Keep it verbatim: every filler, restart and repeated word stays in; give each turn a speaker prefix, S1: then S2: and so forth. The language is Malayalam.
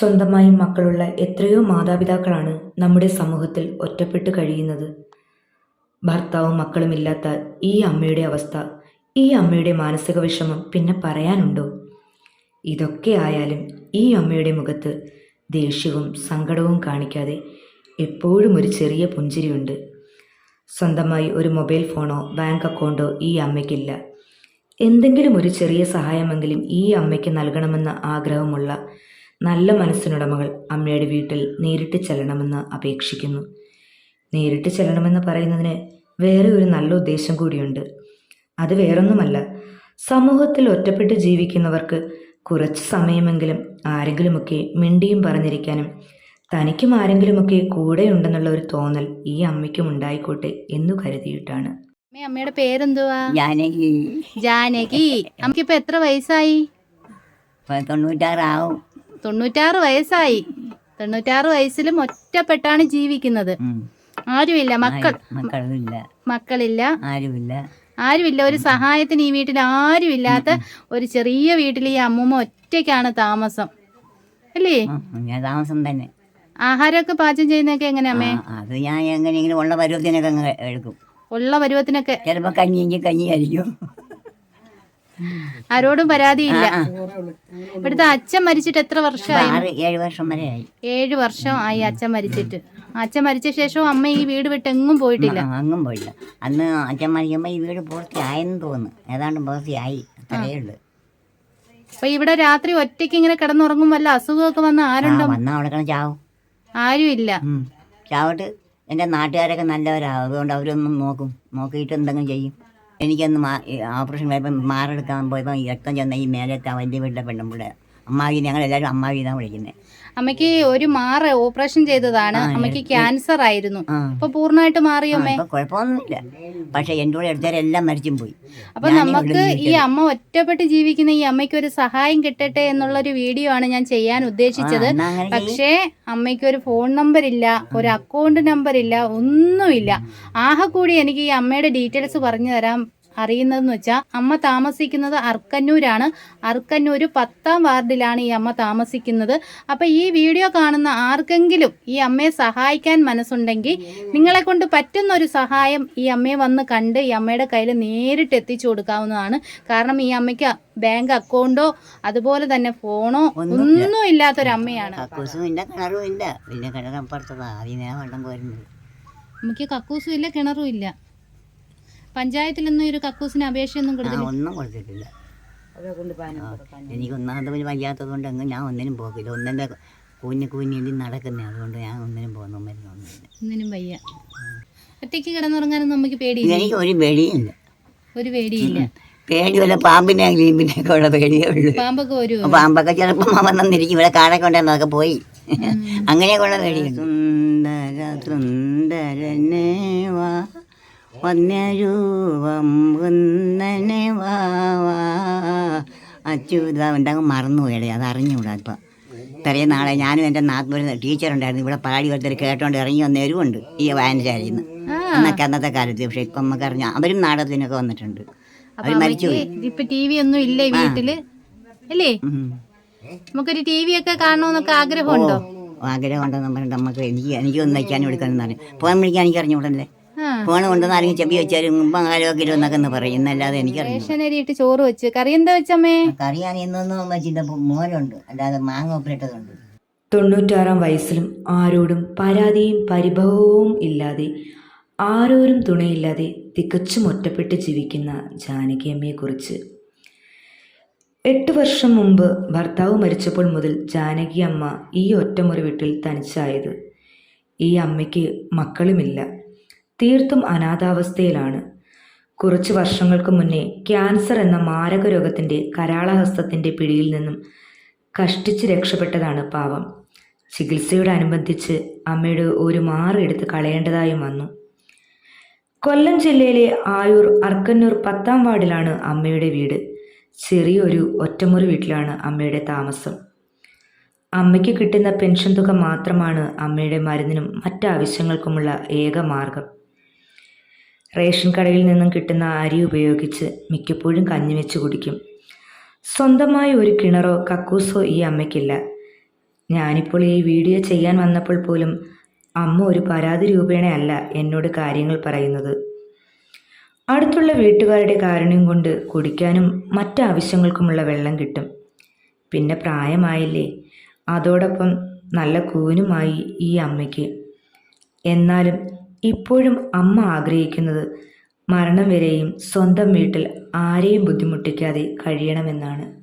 S1: സ്വന്തമായി മക്കളുള്ള എത്രയോ മാതാപിതാക്കളാണ് നമ്മുടെ സമൂഹത്തിൽ ഒറ്റപ്പെട്ട് കഴിയുന്നത്. ഭർത്താവും മക്കളുമില്ലാത്ത ഈ അമ്മയുടെ അവസ്ഥ, ഈ അമ്മയുടെ മാനസിക വിഷമം പിന്നെ പറയാനുണ്ടോ? ഇതൊക്കെ ആയാലും ഈ അമ്മയുടെ മുഖത്ത് ദേഷ്യവും സങ്കടവും കാണിക്കാതെ എപ്പോഴും ഒരു ചെറിയ പുഞ്ചിരിയുണ്ട്. സ്വന്തമായി ഒരു മൊബൈൽ ഫോണോ ബാങ്ക് അക്കൗണ്ടോ ഈ അമ്മയ്ക്കില്ല. എന്തെങ്കിലും ഒരു ചെറിയ സഹായമെങ്കിലും ഈ അമ്മയ്ക്ക് നൽകണമെന്ന ആഗ്രഹമുള്ള നല്ല മനസ്സിനുടമകൾ അമ്മയുടെ വീട്ടിൽ നേരിട്ട് ചെല്ലണമെന്ന് അപേക്ഷിക്കുന്നു. നേരിട്ട് ചെല്ലണമെന്ന് പറയുന്നതിന് വേറെ ഒരു നല്ല ഉദ്ദേശം കൂടിയുണ്ട്. അത് വേറൊന്നുമല്ല, സമൂഹത്തിൽ ഒറ്റപ്പെട്ട് ജീവിക്കുന്നവർക്ക് കുറച്ച് സമയമെങ്കിലും ആരെങ്കിലുമൊക്കെ മിണ്ടിയും പറഞ്ഞിരിക്കാനും തനിക്കും ആരെങ്കിലുമൊക്കെ കൂടെയുണ്ടെന്നുള്ള ഒരു തോന്നൽ ഈ അമ്മയ്ക്കും ഉണ്ടായിക്കോട്ടെ എന്നു കരുതിയിട്ടാണ്.
S2: അമ്മയുടെ പേരെന്തുവാ?
S3: ജാനകി.
S2: ജാനകി. അമ്മക്കിപ്പോ എത്ര വയസ്സായി?
S3: തൊണ്ണൂറ്റാറാവും.
S2: തൊണ്ണൂറ്റാറ് വയസ്സായി. തൊണ്ണൂറ്റാറ് വയസ്സിലും ഒറ്റപ്പെട്ടാണ് ജീവിക്കുന്നത്. ആരുമില്ല, മക്കൾ
S3: മക്കളില്ല
S2: മക്കളില്ല
S3: ആരുമില്ല
S2: ആരുമില്ല ഒരു സഹായത്തിന് ഈ വീട്ടിൽ ആരുമില്ലാത്ത ഒരു ചെറിയ വീട്ടിൽ ഈ അമ്മൂമ്മ ഒറ്റയ്ക്കാണ് താമസം, അല്ലേ?
S3: ഞാൻ താമസം തന്നെ.
S2: ആഹാരമൊക്കെ പാചകം ചെയ്യുന്നതൊക്കെ എങ്ങനെയാ അമ്മേ?
S3: അത് ഞാൻ എങ്ങനെയെങ്കിലും ഉള്ള പരുവത്തിനൊക്കെ അങ്ങ് എടുക്കും.
S2: ഉള്ള പരുവത്തിനൊക്കെ
S3: ചിലപ്പോ കഞ്ഞിയെങ്കിൽ കഞ്ഞി ആയിരിക്കും.
S2: ആരോടും പരാതിയില്ല. ഇവിടുത്തെ അച്ഛൻ മരിച്ചിട്ട് എത്ര വർഷമായി?
S3: ഏഴ് വർഷം വരെ ആയി.
S2: ഏഴ് വർഷം ആയി അച്ഛൻ മരിച്ചിട്ട്. അച്ഛൻ മരിച്ച ശേഷം അമ്മ ഈ വീട് വിട്ട് എങ്ങും പോയിട്ടില്ല.
S3: അങ്ങും പോയില്ല. അന്ന് അച്ഛൻ മരിക്കുമ്പോ ഈ വീട് പൂർത്തിയായെന്ന് തോന്നുന്നു. ഏതാണ്ട് പൂർത്തിയായി, അത്രയേ ഉള്ളു.
S2: അപ്പൊ ഇവിടെ രാത്രി ഒറ്റയ്ക്ക് ഇങ്ങനെ കിടന്നുറങ്ങും, വല്ല അസുഖമൊക്കെ വന്ന് ആരുണ്ടോ?
S3: വന്നാ അവിടെ കിടന്ന് ചാവും.
S2: ആരും ഇല്ല.
S3: ചാവട്ട് എൻ്റെ നാട്ടുകാരൊക്കെ നല്ലവരാണ്. അതുകൊണ്ട് അവരൊന്നും നോക്കും, നോക്കിയിട്ട് എന്തെങ്കിലും ചെയ്യും. എനിക്കൊന്ന് മാ ഓപ്പറേഷൻ പോയപ്പോൾ മാറെടുക്കാൻ പോയപ്പോൾ രക്തം ചെന്ന ഈ മേലത്തെ വലിയ വീട്ടിലെ പെണ്ണുമ്പിള്ള അമ്മാവി, ഞങ്ങളെല്ലാവരും അമ്മാവി എന്നാണ് വിളിക്കുന്നത്.
S2: അമ്മയ്ക്ക് ഒരു മാറ ഓപ്പറേഷൻ ചെയ്തതാണ്. അമ്മയ്ക്ക് ക്യാൻസർ ആയിരുന്നു. അപ്പൊ പൂർണ്ണമായിട്ട് മാറിയോ അമ്മേ?
S3: കുഴപ്പമൊന്നുമില്ല. പക്ഷെ എൻ്റെ കൂടെ എടുത്തവരെല്ലാം മരിച്ചും പോയി.
S2: അപ്പൊ നമുക്ക് ഈ അമ്മ ഒറ്റപ്പെട്ട് ജീവിക്കുന്ന ഈ അമ്മയ്ക്ക് ഒരു സഹായം കിട്ടട്ടെ എന്നുള്ളൊരു വീഡിയോ ആണ് ഞാൻ ചെയ്യാൻ ഉദ്ദേശിച്ചത്. പക്ഷേ അമ്മയ്ക്ക് ഒരു ഫോൺ നമ്പർ ഇല്ല, ഒരു അക്കൗണ്ട് നമ്പർ ഇല്ല, ഒന്നുമില്ല. ആകെ കൂടി എനിക്ക് ഈ അമ്മയുടെ ഡീറ്റെയിൽസ് പറഞ്ഞു തരാൻ അറിയുന്നതെന്ന് വെച്ചാൽ അമ്മ താമസിക്കുന്നത് അർക്കന്നൂരാണ്. അർക്കന്നൂർ പത്താം വാർഡിലാണ് ഈ അമ്മ താമസിക്കുന്നത്. അപ്പം ഈ വീഡിയോ കാണുന്ന ആർക്കെങ്കിലും ഈ അമ്മയെ സഹായിക്കാൻ മനസ്സുണ്ടെങ്കിൽ നിങ്ങളെ കൊണ്ട് പറ്റുന്ന ഒരു സഹായം ഈ അമ്മയെ വന്ന് കണ്ട് ഈ അമ്മയുടെ കയ്യിൽ നേരിട്ട് എത്തിച്ചു കൊടുക്കാവുന്നതാണ്. കാരണം ഈ അമ്മയ്ക്ക് ബാങ്ക് അക്കൗണ്ടോ അതുപോലെ തന്നെ ഫോണോ ഒന്നും ഇല്ലാത്തൊരമ്മയാണ്. അമ്മയ്ക്ക് കക്കൂസും ഇല്ല, കിണറും ഇല്ല. പഞ്ചായത്തിലൊന്നും ഒരു കക്കൂസിന് അപേക്ഷയൊന്നും കൊടുത്തില്ല.
S3: ഒന്നും കൊടുത്തിട്ടില്ല. എനിക്ക് ഒന്നാമത്തെ പിന്നെ വയ്യാത്തത് കൊണ്ട് അങ്ങ് ഞാൻ ഒന്നിനും പോകില്ല. ഒന്നിൻ്റെ കുഞ്ഞു കുഞ്ഞി നടക്കുന്നേ, അതുകൊണ്ട് ഞാൻ ഒന്നിനും പോകുന്നു.
S2: ഒന്നിനും വയ്യ. ഒറ്റയ്ക്ക് കിടന്നുറങ്ങാനൊന്നും നമുക്ക് പേടിയില്ല?
S3: എനിക്ക് ഒരു പേടിയില്ല.
S2: ഒരു പേടിയില്ല.
S3: പേടി വല്ല പാമ്പിനെ ഗ്ലീമ്പിനെയൊക്കെ ഉള്ള പേടിയേ ഉള്ളൂ.
S2: പാമ്പൊക്കെ വരും.
S3: പാമ്പൊക്കെ ചിലപ്പോൾ വന്നിരിക്കും. ഇവിടെ കാടൊക്കെ ഉണ്ടായിരുന്നു, അതൊക്കെ പോയി. അങ്ങനെയൊക്കെ ഉള്ള പേടി. സുന്ദര സുന്ദരനേ വാ വന്യരൂപം കുന്നനെ വാവാ അച്യുത ഉണ്ടെങ്കിൽ മറന്നുപോയടേ, അത് അറിഞ്ഞുകൂടാ. ഇപ്പം ഇത്രയും നാളെ ഞാനും എൻ്റെ നാട്ടിലൊരു ടീച്ചറുണ്ടായിരുന്നു, ഇവിടെ പാടി ഒരുത്തർ കേട്ടോണ്ട് ഇറങ്ങി വന്നവരും ഉണ്ട് ഈ വായനശാലയിൽ നിന്ന്. അന്നൊക്കെ അന്നത്തെ കാലത്ത്. പക്ഷെ ഇപ്പം നമുക്ക് അറിഞ്ഞ അവരും നാടകത്തിനൊക്കെ വന്നിട്ടുണ്ട്. അവർ മരിച്ചുപോയി.
S2: ഇപ്പൊ ടി വി ഒന്നും ഇല്ലേ വീട്ടില്, അല്ലേ? നമുക്കൊരു ടി വി ഒക്കെ കാണണമെന്നൊക്കെ ആഗ്രഹമുണ്ടോ?
S3: ആഗ്രഹം ഉണ്ടെന്ന് പറഞ്ഞിട്ട് നമുക്ക് എനിക്ക് എനിക്കൊന്നും വയ്ക്കാനും എടുക്കാനും അറിയാം. ഫോൺ വിളിക്കാൻ എനിക്ക് അറിഞ്ഞുകൂടല്ലേ. ഫോണ് കൊണ്ടുവന്ന് ആരെങ്കിലും ചെവി വെച്ചാലും ആരോഗ്യം എന്നൊക്കെ ഒന്ന് പറയും, എന്നല്ലാതെ
S2: എനിക്കറിയാം. ചോറ് വെച്ച് കറി എന്താ വെച്ചമ്മേ?
S3: കറി അറിയുന്നൊന്നും വെച്ചിട്ട് മോരുണ്ട്, അല്ലാതെ മാങ്ങ ഉപ്പിട്ടതുണ്ട്.
S1: തൊണ്ണൂറ്റാറാം വയസ്സിലും ആരോടും പരാതിയും പരിഭവവും ഇല്ലാതെ, ആരോരും തുണയില്ലാതെ തികച്ചും ഒറ്റപ്പെട്ട് ജീവിക്കുന്ന ജാനകി അമ്മയെക്കുറിച്ച്. എട്ട് വർഷം മുമ്പ് ഭർത്താവ് മരിച്ചപ്പോൾ മുതൽ ജാനകി അമ്മ ഈ ഒറ്റമുറി വീട്ടിൽ തനിച്ചായത്. ഈ അമ്മയ്ക്ക് മക്കളുമില്ല, തീർത്തും അനാഥാവസ്ഥയിലാണ്. കുറച്ച് വർഷങ്ങൾക്ക് മുന്നേ ക്യാൻസർ എന്ന മാരക രോഗത്തിൻ്റെ കരാളഹസ്തത്തിൻ്റെ പിടിയിൽ നിന്നും കഷ്ടിച്ച് രക്ഷപ്പെട്ടതാണ് പാവം. ചികിത്സയോടനുബന്ധിച്ച് അമ്മയുടെ ഒരു മാറ് എടുത്ത് കളയേണ്ടതായും വന്നു. കൊല്ലം ജില്ലയിലെ ആയൂർ അർക്കന്നൂർ പത്താം വാർഡിലാണ് അമ്മയുടെ വീട്. ചെറിയൊരു ഒറ്റമുറി വീട്ടിലാണ് അമ്മയുടെ താമസം. അമ്മയ്ക്ക് കിട്ടുന്ന പെൻഷൻ തുക മാത്രമാണ് അമ്മയുടെ മരുന്നിനും മറ്റാവശ്യങ്ങൾക്കുമുള്ള ഏക മാർഗം. റേഷൻ കടയിൽ നിന്നും കിട്ടുന്ന അരി ഉപയോഗിച്ച് മിക്കപ്പോഴും കഞ്ഞി വെച്ച് കുടിക്കും. സ്വന്തമായി ഒരു കിണറോ കക്കൂസോ ഈ അമ്മയ്ക്കില്ല. ഞാനിപ്പോൾ ഈ വീഡിയോ ചെയ്യാൻ വന്നപ്പോൾ പോലും അമ്മ ഒരു പരാതി രൂപേണയല്ല എന്നോട് കാര്യങ്ങൾ പറയുന്നത്. അടുത്തുള്ള വീട്ടുകാരുടെ കാരുണ്യം കൊണ്ട് കുടിക്കാനും മറ്റാവശ്യങ്ങൾക്കുമുള്ള വെള്ളം കിട്ടും. പിന്നെ പ്രായമായില്ലേ, അതോടൊപ്പം നല്ല കൂനുമായി ഈ അമ്മയ്ക്ക്. എന്നാലും ഇപ്പോഴും അമ്മ ആഗ്രഹിക്കുന്നത് മരണം വരെയും സ്വന്തം വീട്ടിൽ ആരെയും ബുദ്ധിമുട്ടിക്കാതെ കഴിയണമെന്നാണ്.